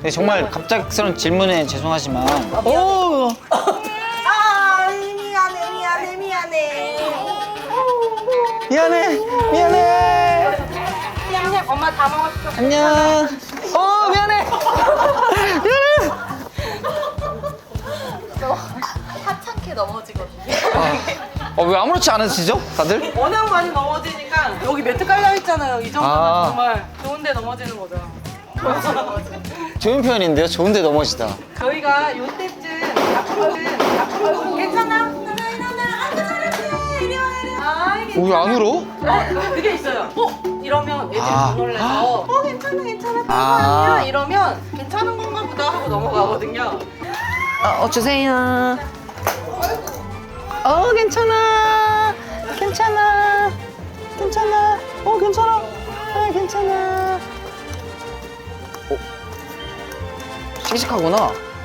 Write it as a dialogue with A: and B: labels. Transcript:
A: 네, 정말 갑작스러운 질문에 죄송하지만 오!
B: 아, 미안해.
A: 미안해.
B: 냠냠, 엄마 다 먹었어.
A: 안녕. 미안해.
B: 하찮게 넘어지거든요.
A: 왜 아무렇지 않으시죠, 다들?
B: 워낙 많이 넘어지니까 여기 매트 깔려 있잖아요. 이 정도면
A: 아.
B: 정말 좋은데 넘어지는 거죠.
A: 좋은 표현인데요. 좋은데 넘어지다.
B: 저희가 요때쯤 앞으로 괜찮아? 이리 와.
A: 왜 안 울어?
B: 그게 있어요. 이러면 애들이 못 놀래서 괜찮아.
A: 아.
B: 아니야 이러면 괜찮은 건가 보다 하고 넘어가거든요.
A: 주세요. 괜찮아. 괜찮아. 괜찮아. 괜찮아. 씩씩하구나.